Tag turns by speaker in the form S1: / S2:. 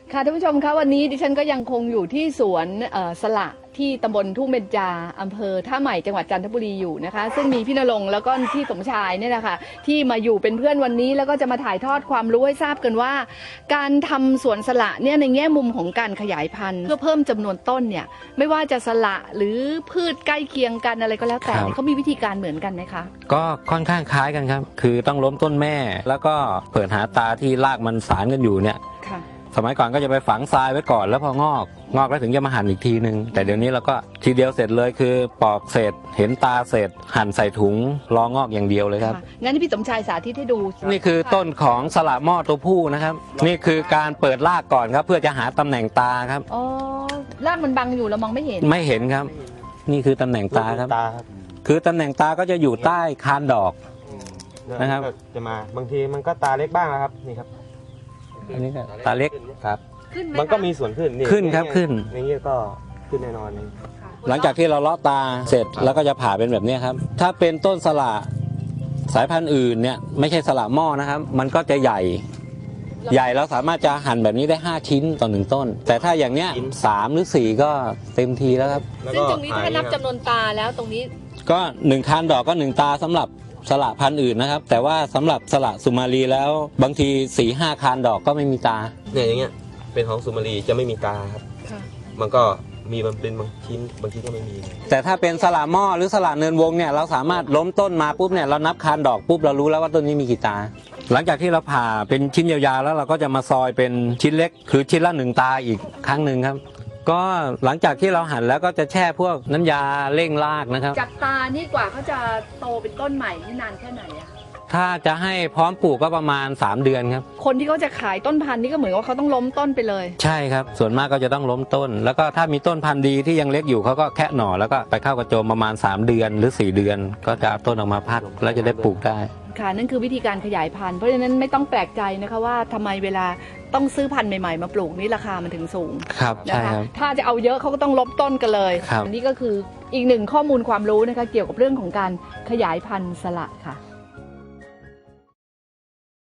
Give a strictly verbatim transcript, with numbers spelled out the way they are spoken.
S1: ค่ะท่านผู้ชมคะวันนี้ดิฉันก็ยังคงอยู่ที่สวนสละที่ตำบลทุ่งเบญจาอำเภอท่าใหม่จังหวัดจันทบุรีอยู่นะคะซึ่งมีพี่ณรงค์แล้วก็พี่สมชายเนี่ยนะคะที่มาอยู่เป็นเพื่อนวันนี้แล้วก็จะมาถ่ายทอดความรู้ให้ทราบกันว่าการทำสวนสละเนี่ยในแง่มุมของการขยายพันธุ์เพื่อเพิ่มจำนวนต้นเนี่ยไม่ว่าจะสละหรือพืชใกล้เคียงกันอะไรก็แล้วแต่เขามีวิธีการเหมือนกันไหมคะ
S2: ก็ค่อนข้างคล้ายกันครับคือต้องล้มต้นแม่แล้วก็เปิดหาตาที่รากมันสานกันอยู่เนี่ยสมัยก่อนก็จะไปฝังทรายไว้ก่อนแล้วพองอกงอกแล้วถึงจะมาหั่นอีกทีนึงแต่เดี๋ยวนี้เราก็ทีเดียวเสร็จเลยคือปอกเสร็จเห็นตาเสร็จหั่นใส่ถุงรองอกอย่างเดียวเลยครับ
S1: งั้นพี่สมชายสาธิตให้ดู
S2: นี่คือต้นของสละหม้อตัวผู้นะครับนี่คือการเปิดรากก่อนครับเพื่อจะหาตำแหน่งตาครับ
S1: อ๋อรากมันบังอยู่เรามองไม่เห็น
S2: ไม่เห็นครับนี่คือตำแหน่งตาครับคือตำแหน่งตาก็จะอยู่ใต้คานดอกนะครับ
S3: จะมาบางทีมันก็ตาเล็กบ้างนะครับนี่ครับ
S2: อันนี้ก็ตาเล็กครับ
S3: มันก็มีส่วนขึ้น
S2: ขึ้นครับขึ้น
S3: อย่างนี้ก็ขึ้นแน่นอน
S2: หลังจากที่เราเลาะตาเสร็จแล้วก็จะผ่าเป็นแบบนี้ครับถ้าเป็นต้นสละสายพันธุ์อื่นเนี่ยไม่ใช่สละหม้อนะครับมันก็จะใหญ่ใหญ่เราสามารถจะหั่นแบบนี้ได้ห้าชิ้นต่อหนึ่งต้นแต่ถ้าอย่างเนี้ยสามหรือสี่ก็เต็มทีแล้วครับ
S1: ซึ่งตรงนี้ถ้านับจำนวนตาแล้วตรงนี้
S2: ก็หนึ่งคานดอกก็หนึ่งตาสำหรับสละพันธุ์อื่นนะครับแต่ว่าสำหรับสละสุมาลีแล้วบางทีสี่ห้าคานดอกก็ไม่มีตา
S3: เนี่ยอย่างเงี้ยเป็นของสุมาลีจะไม่มีตาครับมันก็มีมันเป็นบางชิ้นบางชิ้นก็ไม่มี
S2: แต่ถ้าเป็นสละหม้อหรือสละเนินวงเนี่ยเราสามารถล้มต้นมาปุ๊บเนี่ยเรานับคานดอกปุ๊บเรารู้แล้วว่าต้นนี้มีกี่ตาหลังจากที่เราผ่าเป็นชิ้นยาวๆแล้วเราก็จะมาซอยเป็นชิ้นเล็กคือชิ้นละหนึ่งตาอีกครั้งหนึ่งครับก็หลังจากที่เราหั่นแล้วก็จะแช่พวกน้ำยาเร่งรากนะครับ
S1: จากตานี่กว่าเขาจะโตเป็นต้นใหม่นี่นานแค่ไหนอะ
S2: ถ้าจะให้พร้อมปลูกก็ประมาณสามเดือนครับ
S1: คนที่เขาจะขายต้นพันธุ์นี่ก็เหมือนว่าเขาต้องล้มต้นไปเลย
S2: ใช่ครับส่วนมากก็จะต้องล้มต้นแล้วก็ถ้ามีต้นพันธุ์ดีที่ยังเล็กอยู่เขาก็แคะหน่อแล้วก็ไปเข้ากระโจมประมาณสามเดือนหรือสี่เดือนก็จะต้นออกมาพักแล้วจะได้ปลูกได้
S1: ค่ะนั่นคือวิธีการขยายพันธุ์เพราะฉะนั้นไม่ต้องแปลกใจนะคะว่าทำไมเวลาต้องซื้อพันธุ์ใหม่ๆมาปลูกนี่ราคามันถึงสูง
S2: ครับใช่ครับ
S1: ถ้าจะเอาเยอะเขาก็ต้องลบต้นกันเลยอันนี้ก็คืออีกหนึ่งข้อมูลความรู้นะคะเกี่ยวกับเรื่องของการขยายพันธุ์สละค่ะ